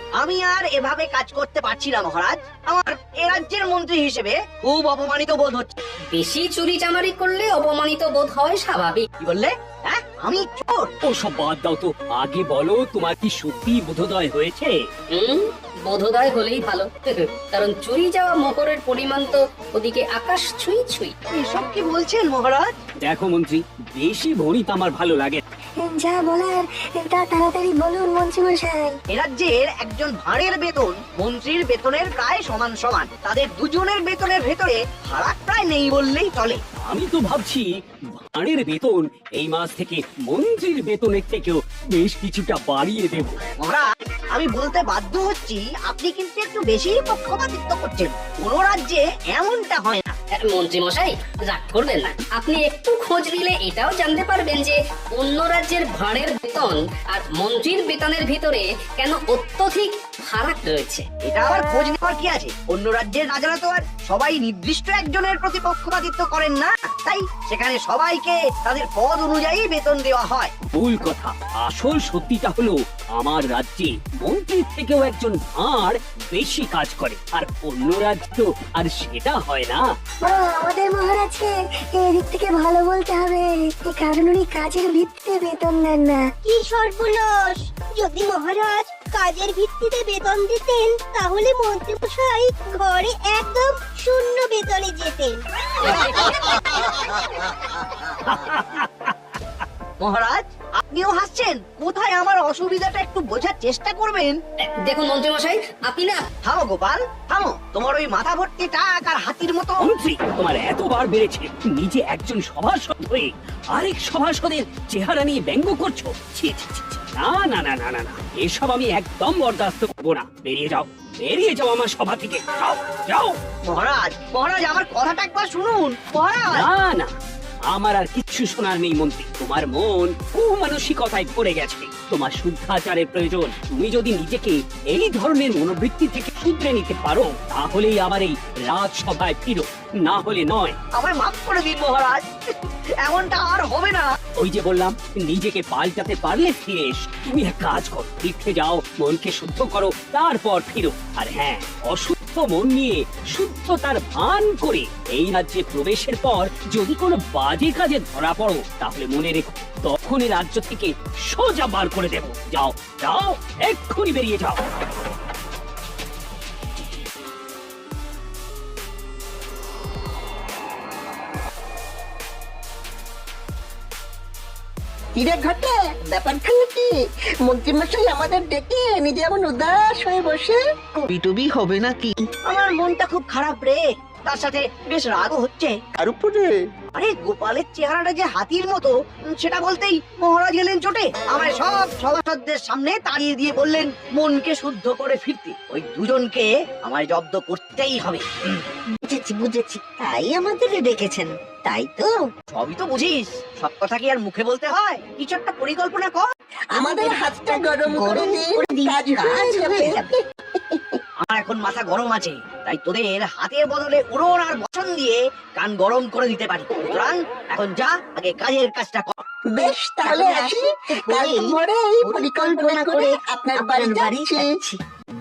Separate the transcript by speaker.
Speaker 1: আমি আর এভাবে কাজ করতে পারছি না মহারাজ। আমার এ রাজ্যের মন্ত্রী হিসেবে খুব অপমানিত বোধ হচ্ছে।
Speaker 2: বেশি চুরি চামারি করলে অপমানিত বোধ হয় স্বাভাবিক।
Speaker 1: কি বললে? হ্যাঁ, আমি চোর?
Speaker 3: ওসব বাদ দাও তো, আগে বলো তোমার কি সত্যি বোধোদয় হয়েছে?
Speaker 2: বোধোদয় হলেই ভালো। কারণ চুরি যাওয়া মকরের পরিমাণ তো ওদিকে আকাশ ছুঁই ছুঁই।
Speaker 1: এসব কি বলছেন মহারাজ?
Speaker 3: দেখো মন্ত্রী, বেশি ভণিত আমার ভালো লাগে।
Speaker 4: যা বলার তা তাড়াতাড়ি বলুন মন্ত্রী মশাই।
Speaker 1: এ রাজ্যের একজন ভাঁড়ের বেতন মন্ত্রীর বেতনের প্রায় সমান সমান। তাদের দুজনের বেতনের ভেতরে ফারাক প্রায় নেই বললেই চলে।
Speaker 3: আমি তো ভাবছি ভাঁড়ের বেতন এই মাস থেকে মন্ত্রীর বেতনের থেকেও বেশ কিছুটা বাড়িয়ে দেব।
Speaker 1: মহারাজ, আমি বলতে বাধ্য হচ্ছি, আপনি কিন্তু একটু বেশি পক্ষপাতিত্ব করছেন। কোন রাজ্যে এমনটা হয় না।
Speaker 2: মন্ত্রী মশাই রাগ করবেন না, আপনি একটু খোঁজ নিলে এটাও জানতে পারবেন যে অন্য রাজ্যের ভাঁড়ের বেতন আর মন্ত্রীর বেতনের ভিতরে কেন অত্যধিক ফারাক রয়েছে।
Speaker 1: এটা আবার খোঁজ নেওয়ার কি আছে? অন্য রাজ্যের রাজারা তো আর সবাই নির্দিষ্ট একজনের প্রতি পক্ষপাতিত্ব করেন না, তাই সেখানে সবাইকে তাদের পদ অনুযায়ী বেতন দেওয়া হয়।
Speaker 3: ভুল কথা। আসল সত্যিটা হলো আমার রাজ্যে মন্ত্রীর থেকেও একজন ভাঁড় বেশি কাজ করে, আর অন্য রাজ্য তো আর সেটা হয় না।
Speaker 4: আমাদের মহারাজকে এদিক থেকে ভালো বলতে হবে, কারণ উনি কাজের ভিত্তিতে বেতন নেন না।
Speaker 5: কি সর্বনাশ! যদি মহারাজ কাজের ভিত্তিতে বেতন দিতেন তাহলে মন্ত্রীমশাই ঘরে একদম শূন্য বেতনে যেতেন।
Speaker 1: মহারাজ, আপনিও হাসছেন? কোথায় আমার অসুবিধাটা একটু বোঝার চেষ্টা করবেন।
Speaker 2: দেখুন মন্ত্রী মশাই, আপনি না
Speaker 1: থামো গোপাল, থামো। তোমার ওই মাথা ভর্তি টাক আর হাতির মতো।
Speaker 3: মন্ত্রী, তোমার এতবার বেড়েছে, নিজে একজন সভাসদ হয়ে আরেক সভাসদের চেহারা নিয়ে ব্যঙ্গ করছো। ছি ছি ছি ছি। না না না না না না, এসব আমি একদম বরদাস্ত করবো না। বেরিয়ে যাও, বেরিয়ে যাও আমার সভা থেকে। যাও যাও।
Speaker 1: মহারাজ, মহারাজ, আমার কথাটা একবার শুনুন। মহারাজ,
Speaker 3: না না, আমার আর কিচ্ছু শোনার নেই মন্ত্রী। তোমার মন কুমানসিকতায় ভরে গেছে, তোমার শুদ্ধাচারের প্রয়োজন। তুমি যদি নিজেকে এই ধরনের মনোবৃত্তি থেকে শুধরে নিতে পারো, তাহলেই আবার এই রাজসভায় ফিরো, না হলে নয়।
Speaker 1: আমায় মাফ করে দিন মহারাজ, এমনটা আর হবে না।
Speaker 3: ওই যে বললাম, নিজেকে পাল্টাতে পারলে ফিরে এস। তুমি এক কাজ করো, তীর্থে যাও, মনকে শুদ্ধ করো, তারপর ফিরো। আর হ্যাঁ, অশুদ্ধ মন নিয়ে শুদ্ধতার ভান করে এই রাজ্যে প্রবেশের পর যদি কোনো বাজে কাজে ধরা পড়ো, তাহলে মনে রেখো, তখন এই রাজ্য থেকে সোজা বার করে দেব। যাও যাও, এক্ষুনি বেরিয়ে যাও।
Speaker 6: কিরে ঘটে, ব্যাপারখানে কি? মন্ত্রীমশাই আমাদের ডেকে নিজে এমন উদাস হয়ে বসে।
Speaker 7: টুবি হবে নাকি?
Speaker 1: আমার মনটা খুব খারাপ রে, তার সাথে বেশ রাগও হচ্ছে।
Speaker 6: আর উপরে
Speaker 1: আরে গোপালের চেহারাটা যে হাতির মতো, সেটা বলতেই মহারাজ গেলেন চোটে। আমায় সব সভাসদদের সামনে তাড়িয়ে দিয়ে বললেন মনকে শুদ্ধ করে ফিরতে। ওই দুজনকে আমায় জব্দ করতেই হবে।
Speaker 5: বুঝেছি বুঝেছি, তাই আমাদের ডেকেছেন, তাই তো?
Speaker 1: সবই তো বুঝিস, সব কথা কি আর মুখে বলতে হয়? কিছু একটা পরিকল্পনা কর।
Speaker 6: আমাদের হাতটা গরম করে দিন, কাজ হয়ে যাবে।
Speaker 1: আমার এখন মাথা গরম আছে, তাই তোদের হাতের বদলে উড়ন আর বচন দিয়ে কান গরম করে দিতে পারি। সুতরাং এখন যা, আগে কাজের কাজটা কর।
Speaker 6: বেশ, তাহলে আসি। কাল ভোরে এই পরিকল্পনা করে আপনার বাড়ি যাচ্ছি।